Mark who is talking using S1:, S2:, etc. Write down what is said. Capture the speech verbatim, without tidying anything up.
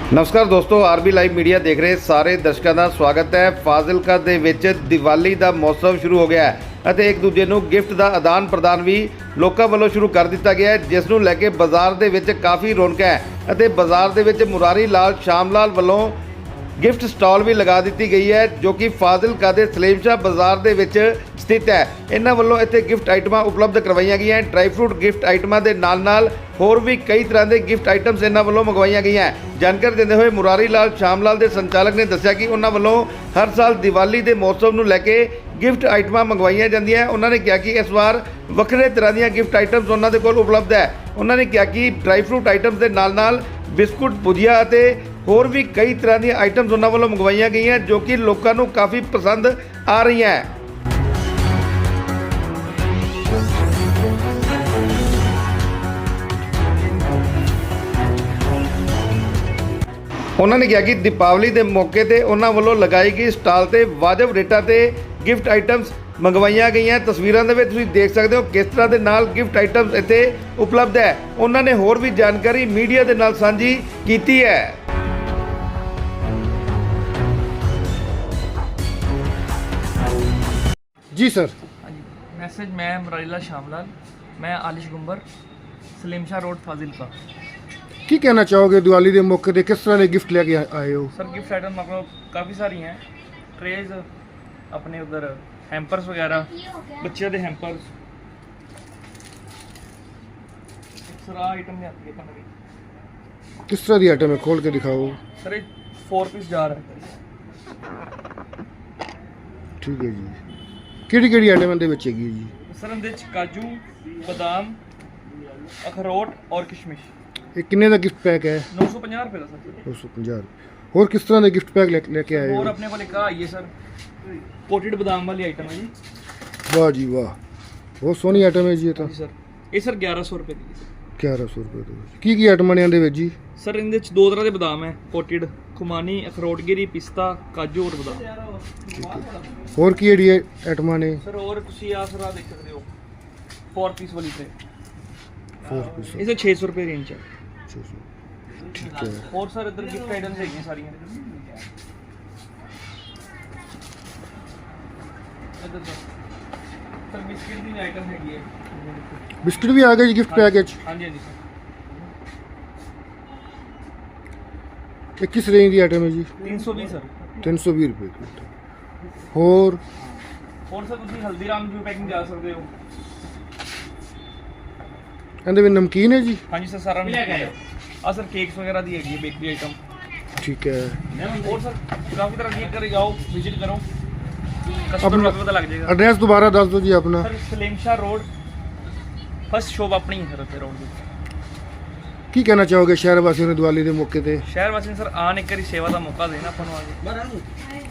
S1: ਨਮਸਕਾਰ ਦੋਸਤੋ, RB live media ਦੇਖ ਰਹੇ ਸਾਰੇ ਦਰਸ਼ਕਾਂ ਦਾ ਸਵਾਗਤ ਹੈ। ਫਾਜ਼ਿਲਕਾ ਦੇ ਵਿੱਚ ਦੀਵਾਲੀ ਦਾ ਮੌਸਮ ਸ਼ੁਰੂ ਹੋ ਗਿਆ ਹੈ ਅਤੇ ਇੱਕ ਦੂਜੇ ਨੂੰ ਗਿਫਟ ਦਾ ਆਦਾਨ ਪ੍ਰਦਾਨ ਵੀ ਲੋਕਾਂ ਵੱਲੋਂ ਸ਼ੁਰੂ ਕਰ ਦਿੱਤਾ ਗਿਆ ਹੈ, ਜਿਸ ਨੂੰ ਲੈ ਕੇ ਬਾਜ਼ਾਰ ਦੇ ਵਿੱਚ ਕਾਫੀ ਰੌਣਕ ਹੈ ਅਤੇ ਬਾਜ਼ਾਰ ਦੇ ਵਿੱਚ ਮੁਰਾਰੀ ਲਾਲ ਸ਼ਾਮ ਲਾਲ ਵੱਲੋਂ ਗਿਫਟ ਸਟਾਲ ਵੀ ਲਗਾ ਦਿੱਤੀ ਗਈ ਹੈ, ਜੋ ਕਿ ਫਾਜ਼ਿਲਕਾ ਦੇ ਸਲੀਮ ਸ਼ਾਹ ਬਾਜ਼ਾਰ ਦੇ ਵਿੱਚ ਸਥਿਤ ਹੈ। ਇਹਨਾਂ ਵੱਲੋਂ ਇੱਥੇ ਗਿਫਟ ਆਈਟਮਾਂ ਉਪਲਬਧ ਕਰਵਾਈਆਂ ਗਈਆਂ। ਡਰਾਈ ਫਰੂਟ ਗਿਫਟ ਆਈਟਮਾਂ ਦੇ ਨਾਲ ਨਾਲ ਹੋਰ ਵੀ ਕਈ ਤਰ੍ਹਾਂ ਦੇ ਗਿਫਟ ਆਈਟਮਸ ਇਹਨਾਂ ਵੱਲੋਂ ਮੰਗਵਾਈਆਂ ਗਈਆਂ। ਜਾਣਕਾਰੀ ਦਿੰਦੇ ਹੋਏ ਮੁਰਾਰੀ ਲਾਲ ਸ਼ਾਮ ਲਾਲ ਦੇ ਸੰਚਾਲਕ ਨੇ ਦੱਸਿਆ ਕਿ ਉਹਨਾਂ ਵੱਲੋਂ ਹਰ ਸਾਲ ਦੀਵਾਲੀ ਦੇ ਮੌਸਮ ਨੂੰ ਲੈ ਕੇ ਗਿਫਟ ਆਈਟਮਾਂ ਮੰਗਵਾਈਆਂ ਜਾਂਦੀਆਂ। ਉਹਨਾਂ ਨੇ ਕਿਹਾ ਕਿ ਇਸ ਵਾਰ ਵੱਖਰੇ ਤਰ੍ਹਾਂ ਦੀਆਂ ਗਿਫਟ ਆਈਟਮਸ ਉਹਨਾਂ ਦੇ ਕੋਲ ਉਪਲਬਧ ਹੈ। ਉਹਨਾਂ ਨੇ ਕਿਹਾ ਕਿ ਡਰਾਈ ਫਰੂਟ ਆਈਟਮਸ ਦੇ ਨਾਲ ਨਾਲ ਬਿਸਕੁਟ, ਭੁਜੀਆ ਅਤੇ ਹੋਰ ਵੀ ਕਈ ਤਰ੍ਹਾਂ ਦੀਆਂ ਆਈਟਮਸ ਉਹਨਾਂ ਵੱਲੋਂ ਮੰਗਵਾਈਆਂ ਗਈਆਂ, ਜੋ ਕਿ ਲੋਕਾਂ ਨੂੰ ਕਾਫੀ ਪਸੰਦ ਆ ਰਹੀਆਂ। ਉਹਨਾਂ ਨੇ ਕਿਹਾ ਕਿ ਦੀਪਾਵਲੀ ਦੇ ਮੌਕੇ ਤੇ ਉਹਨਾਂ ਵੱਲੋਂ ਲਗਾਈ ਗਈ ਸਟਾਲ ਤੇ ਵਾਜਬ ਰੇਟਾਂ ਤੇ ਗਿਫਟ ਆਈਟਮਸ ਮੰਗਵਾਈਆਂ ਗਈਆਂ। ਤਸਵੀਰਾਂ ਦੇ ਵਿੱਚ ਤੁਸੀਂ ਦੇਖ ਸਕਦੇ ਹੋ ਕਿਸ ਤਰ੍ਹਾਂ ਦੇ ਨਾਲ ਗਿਫਟ ਆਈਟਮਸ ਇੱਥੇ ਉਪਲਬਧ ਹੈ। ਉਹਨਾਂ ਨੇ ਹੋਰ ਵੀ ਜਾਣਕਾਰੀ ਮੀਡੀਆ ਦੇ ਨਾਲ ਸਾਂਝੀ ਕੀਤੀ ਹੈ।
S2: जी सर।
S3: हाँ जी, मैसेज मैं मुरारीला शामलाल, मैं आलिश गुंबर, सलीम शाह रोड फाजिलका।
S2: की कहना चाहोगे दिवाली के मौके पे किस तरह के गिफ्ट लेके आए हो?
S3: सर गिफ्ट आइटम अपने काफ़ी सारी हैं, ट्रेज अपने उधर हैम्पर्स वगैरह, बच्चे के हैम्पर्स। सर आइटम नहीं आती है।
S2: किस तरह की आइटम है, खोल के दिखाओ।
S3: सर ये फोर पीस जार है।
S2: ठीक है जी। ਕਿਹੜੀ ਕਿਹੜੀ ਆਈਟਮ ਇਹਦੇ ਵਿੱਚ ਹੈਗੀ ਜੀ?
S3: ਸਰ ਇਹਦੇ ਵਿੱਚ ਕਾਜੂ, ਬਦਾਮ, ਅਖਰੋਟ ਔਰ ਕਿਸ਼ਮਿਸ਼।
S2: ਇਹ ਕਿੰਨੇ ਦਾ ਗਿਫਟ ਪੈਕ ਹੈ?
S3: नौ सौ पचास रुपये ਦਾ ਸਰ।
S2: दो सौ पचास। ਹੋਰ ਕਿਸ ਤਰ੍ਹਾਂ ਦੇ ਗਿਫਟ ਪੈਕ ਲੈ ਕੇ ਆਏ
S3: और
S2: ਹੋ?
S3: अपने को एक आई है सर कोटेड बादाम वाली आइटम है जी।
S2: ਵਾਹ ਜੀ ਵਾਹ, ਬਹੁਤ ਸੋਹਣੀ ਆਈਟਮ ਹੈ ਜੀ ਇਹ ਤਾਂ।
S3: जी सर, ये सर ग्यारह सौ रुपये की है।
S2: ਗਿਆਰਾਂ ਸੌ ਰੁਪਏ ਦੇ ਵਿੱਚ ਕੀ ਕੀ ਆਈਟਮਾਂ ਨੇ ਇਹਦੇ ਵਿੱਚ ਜੀ?
S3: ਸਰ ਇਹਦੇ ਵਿੱਚ ਦੋ ਤਰ੍ਹਾਂ ਦੇ ਬਦਾਮ ਹੈ, ਕੋਟਿਡ, ਖੁਮਾਨੀ, ਅਖਰੋਟਗਿਰੀ, ਪਿਸਤਾ, ਕਾਜੂ ਔਰ ਬਦਾਮ।
S2: ਠੀਕ ਹੈ। ਹੋਰ ਕੀ ਜਿਹੜੀ ਆਈਟਮਾਂ ਨੇ?
S3: ਸਰ ਹੋਰ ਤੁਸੀਂ ਆ ਸਰ ਆ ਦੇਖ ਸਕਦੇ ਹੋ फोर पीस वाली ट्रे,
S2: फोर पीस
S3: इसे छह सौ रुपये रेंज है।
S2: ठीक है।
S3: और सर इधर गिफ्ट आइटम्स है सारियां। इधर सर सर बिस्किट की आइटम हैगी है।
S2: बिस्किट भी आ गए जी गिफ्ट पैक ਵਿੱਚ?
S3: हाँ जी हाँ जी सर।
S2: ਇਹ ਕਿਸ ਰੇਂਜ ਦੀ ਆਈਟਮ ਹੈ ਜੀ?
S3: तीन सौ बीस सर।
S2: तीन सौ बीस ਰੁਪਏ ਦੀ। ਹੋਰ
S3: और सर ਤੁਸੀਂ ਹਲਦੀਰਾਮ ਦੀ ਪੈਕਿੰਗ ਜਾ ਸਕਦੇ ਹੋ।
S2: ਇਹਦੇ ਵਿੱਚ ਨਮਕੀਨ ਹੈ ਜੀ?
S3: हाँ जी सर सारा नमकीन है। आ सर केक्स वगैरह दी हैगी है, बेकरी आइटम।
S2: ठीक है।
S3: और सर काफ़ी तरह की कर जाओ, विजिट करो, कस्टमर को पता लग जाएगा।
S2: एड्रेस दोबारा दस दो जी अपना।
S3: Sir Salim Shah road, first shop अपनी है सर उत्थे रोड ਦੀ।
S2: ਕੀ ਕਹਿਣਾ ਚਾਹੋਗੇ ਸ਼ਹਿਰ ਵਾਸੀਆਂ ਨੂੰ ਦੀਵਾਲੀ ਦੇ ਮੌਕੇ ਤੇ?
S3: ਸ਼ਹਿਰ ਵਾਸੀਆਂ ਨੂੰ ਸਰ ਆਣ ਇੱਕ ਵਾਰੀ ਸੇਵਾ ਦਾ ਮੌਕਾ ਦੇਣਾ ਆਪਾਂ ਨੂੰ ਆ ਕੇ।